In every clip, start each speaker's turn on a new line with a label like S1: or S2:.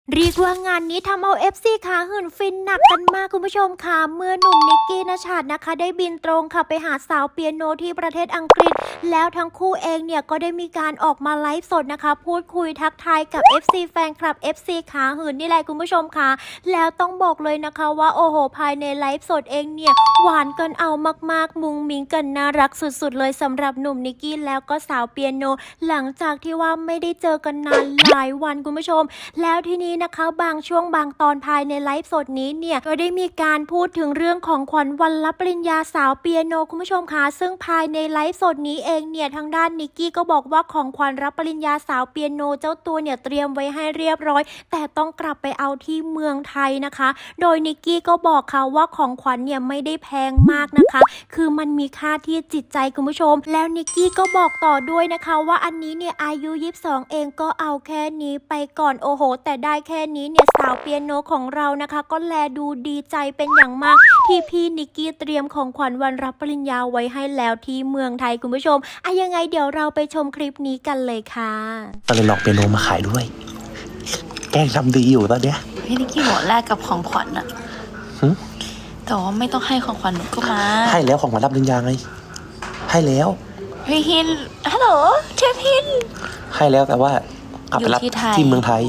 S1: เรียกว่างานนี้ทำเอา FC ขาหื่นฟินหนักกันมากคุณผู้ชมค่ะเมื่อหนุ่มนิกกี้ณชัดนะคะได้บินตรงค่ะไปหาสาวเปียโนที่ประเทศอังกฤษแล้วทั้งคู่เองเนี่ยก็ได้มีการออกมาไลฟ์สดนะคะพูดคุยทักทายกับ FC แฟนคลับ FC ขาหื่นนี่แหละคุณผู้ชมค่ะแล้วต้องบอกเลยนะคะว่าโอ้โหภายในไลฟ์สดเองเนี่ยหวานกันเอามากๆมุงมิงกันน่ารักสุดๆเลยสำหรับหนุ่มนิกกี้แล้วก็สาวเปียโนหลังจากที่ว่าไม่ได้เจอกันนานหลายวันคุณผู้ชมแล้วทีนี้นะคะบางช่วงบางตอนภายในไลฟ์สดนี้เนี่ยก็ได้มีการพูดถึงเรื่องของขวัญวันรับปริญญาสาวเปียโนคุณผู้ชมคะซึ่งภายในไลฟ์สดนี้เองเนี่ยทางด้านนิกกี้ก็บอกว่าของขวัญรับปริญญาสาวเปียโนเจ้าตัวเนี่ยเตรียมไว้ให้เรียบร้อยแต่ต้องกลับไปเอาที่เมืองไทยนะคะโดยนิกกี้ก็บอกค่ะว่าของขวัญเนี่ยไม่ได้แพงมากนะคะคือมันมีค่าที่จิตใจคุณผู้ชมแล้วนิกกี้ก็บอกต่อด้วยนะคะว่าอันนี้เนี่ยอายุ22เองก็เอาแค่นี้ไปก่อนโอ้โหแต่ได้แค่นี้เนี่ยสาวเปียโนของเรานะคะก็แลดูดีใจเป็นอย่างมากที่พี่นิกกี้เตรียมของขวัญวันรับปริญญาไว้ให้แล้วที่เมืองไทยคุณผู้ชมยังไงเดี๋ยวเราไปชมคลิปนี้กันเลยค่ะ
S2: ก็เลยลองเปียโนมาขายด้วยแกล้งทำดีอยู่ตอนเนี้ย
S3: พี่นิกกี้บอกแลกกับของขวัญอะแต่ว่าไม่ต้องให้ของขวัญหนูก็มา
S2: ให้แล้วของขวัญรับปริญญาไงให้แล้ว
S3: พี่ฮินฮัลโหลเชฟฮิน
S2: ให้แล้วแต่ว่ากลับไปรับที่เมืองไทย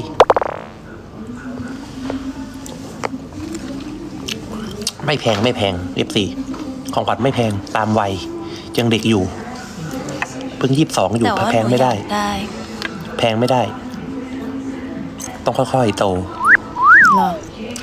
S2: ไม่แพงFCของขวัญไม่แพงตามวัยยังเด็กอยู่เพิ่ง22อยู่แพงไม่ได้แพงไม่ได้ต้องค่อยๆโต
S3: หรอ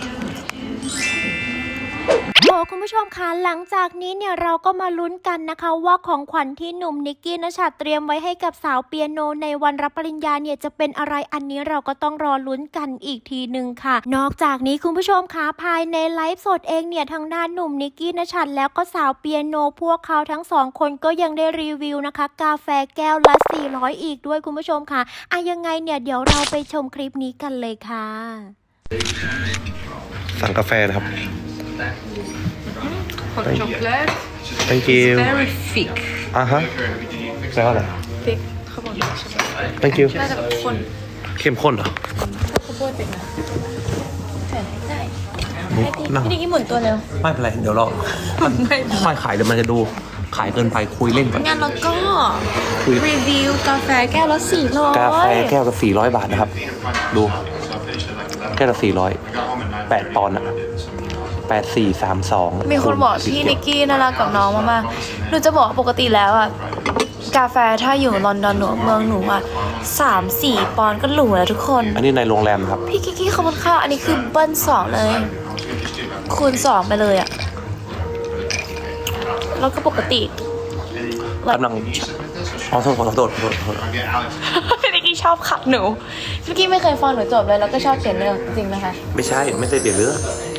S1: คุณผู้ชมคะหลังจากนี้เนี่ยเราก็มาลุ้นกันนะคะว่าของขวัญที่หนุ่มนิกกี้ณชัดเตรียมไว้ให้กับสาวเปียโนในวันรับปริญญาเนี่ยจะเป็นอะไรอันนี้เราก็ต้องรอลุ้นกันอีกทีหนึ่งค่ะนอกจากนี้คุณผู้ชมคะภายในไลฟ์สดเองเนี่ยทางด้านหนุ่มนิกกี้ณชัดแล้วก็สาวเปียโนพวกเขาทั้งสองคนก็ยังได้รีวิวนะคะกาแฟแก้วละ400อีกด้วยคุณผู้ชมค่ะยังไงเนี่ยเดี๋ยวเราไปชมคลิปนี้กันเลยค่ะ
S2: สั่งกาแฟนะครับ
S4: hot chocolate
S2: Thank you
S4: very thick
S2: แปลว่าอะไร
S4: thick เขาบอกอย่างนี้ใช่ไหม
S2: Thank you
S4: น่าจะข้น
S2: เข้มข้นเหรอ
S4: ข้าวโพดเป็นนะใส่ได้
S2: นั่ง
S4: พี่นิกกี้หมุนตัวเร็ว
S2: ไม่เป็นไรเดี๋ยวเราไม่ขายเดี๋ยวมันจะดูขายเกินไปคุยเล่นก่อน
S4: งั้นเราก็รีวิวกาแฟแก้วละ400
S2: กาแฟแก้วละ400 บาทนะครับดูแก้วละ400 8 ปอนด์อะ8432
S3: มีคนบอกพี่นิกกี้น่ารักกับน้องมากๆหนูจะบอกปกติแล้วอะกาแฟถ้าอยู่ลอนดอนหนูเมืองหนูอะ3-4 ปอนด์ก็หรูแล้วทุกคน
S2: อันนี้ในโรงแรมครับ
S3: พี่กิกกี้ขอบคุณค่ะอันนี้คือเบิ้ล2เลยคูณ2ไปเลยอะแล้วก็ปกติ
S2: กำลังโทษ
S3: พี่นิกกี้ชอบขับหนูพี่นิกกี้ไม่เคยฟังหนูจบเลยแล้วก็ชอบเขียนเรื่องจริงไหมคะ
S2: ไม่ใช่ไม่ได้เปลี่ยนเรื่อง